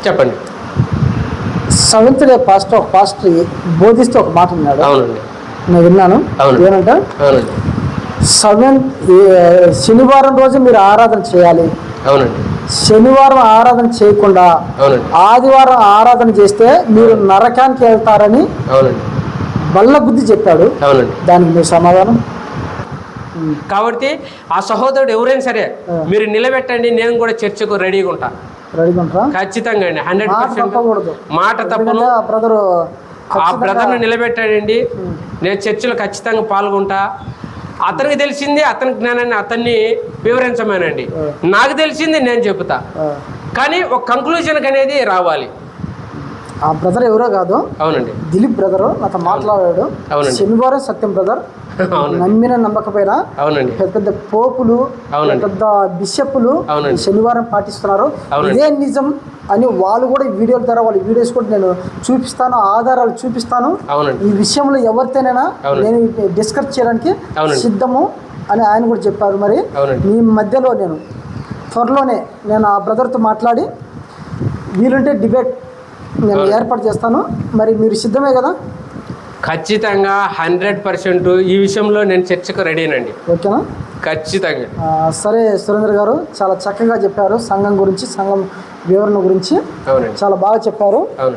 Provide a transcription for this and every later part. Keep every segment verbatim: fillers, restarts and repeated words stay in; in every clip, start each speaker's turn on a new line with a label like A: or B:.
A: చెప్పండి.
B: Seventh day pastor ఒక pastor బోధిస్తూ ఒక మాట విన్నాడు.
A: అవునండి,
B: నేను విన్నాను. ఏమంట,
A: అవునండి,
B: సెవెన్ శనివారం రోజు మీరు ఆరాధన చేయాలి.
A: అవునండి,
B: శనివారం ఆరాధన చేయకుండా
A: అవునండి,
B: ఆదివారం ఆరాధన చేస్తే మీరు నరకానికి వెళ్తారని
A: అవునండి,
B: బల్ల బుద్ధి చెప్పాడు.
A: అవునండి.
B: దానికి మీ సమాధానం?
A: కాబట్టి ఆ సహోదరుడు ఎవరైనా సరే మీరు నిలబెట్టండి, నేను కూడా చర్చకు రెడీగా ఉంటా.
B: రెడీగా ఉంటా
A: ఖచ్చితంగా అండి, హండ్రెడ్ పర్సెంట్ మాట తప్పను.
B: ఆ బ్రదరు
A: ఆ బ్రదర్ని నిలబెట్టాడండి, నేను చర్చలో ఖచ్చితంగా పాల్గొంటా. అతనికి తెలిసింది అతని జ్ఞానాన్ని అతన్ని వివరించమేనండి, నాకు తెలిసింది నేను చెబుతా. కానీ ఒక కంక్లూజన్కి అనేది రావాలి.
B: ఆ బ్రదర్ ఎవరో కాదు,
A: అవునండి,
B: దిలీప్ బ్రదరు నాతో మాట్లాడాడు. శనివారం సత్యం బ్రదర్ నమ్మిన నమ్మకపోయినా
A: అవునండి,
B: పెద్ద పెద్ద పోపులు, పెద్ద బిషప్పులు శనివారం పాటిస్తున్నారు, ఇదే నిజం అని వాళ్ళు కూడా వీడియోల ద్వారా వాళ్ళ వీడియోస్ కూడా నేను చూపిస్తాను, ఆధారాలు చూపిస్తాను. ఈ విషయంలో ఎవరితోనైనా నేను డిస్కస్ చేయడానికి సిద్ధము అని ఆయన కూడా చెప్పారు. మరి మీ మధ్యలో నేను త్వరలోనే నేను ఆ బ్రదర్తో మాట్లాడి వీలుంటే డిబేట్ నేను ఏర్పాటు చేస్తాను. మరి మీరు సిద్ధమే కదా?
A: ఖచ్చితంగా హండ్రెడ్ పర్సెంట్ ఈ విషయంలో నేను చర్చకు రెడీనండి.
B: ఓకేనా?
A: ఖచ్చితంగా.
B: సరే సురేంద్ర గారు, చాలా చక్కగా చెప్పారు సంఘం గురించి, సంఘం వివరణ గురించి చాలా బాగా చెప్పారు.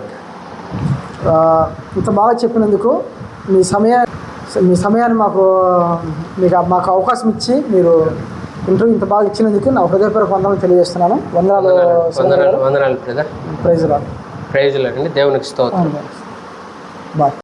B: ఇంత బాగా చెప్పినందుకు మీ సమయా మీ సమయాన్ని మాకు మీకు మాకు అవకాశం ఇచ్చి మీరు ఇంటర్వ్యూ ఇంత బాగా ఇచ్చినందుకు నా హృదయపూర్వక వందనాలు తెలియజేస్తున్నాను. వందనాలు
A: వందనాలు వందనాలు brother.
B: Praise lord.
A: Praise lord అండి. దేవునికి స్తోత్రం.
B: బాయ్.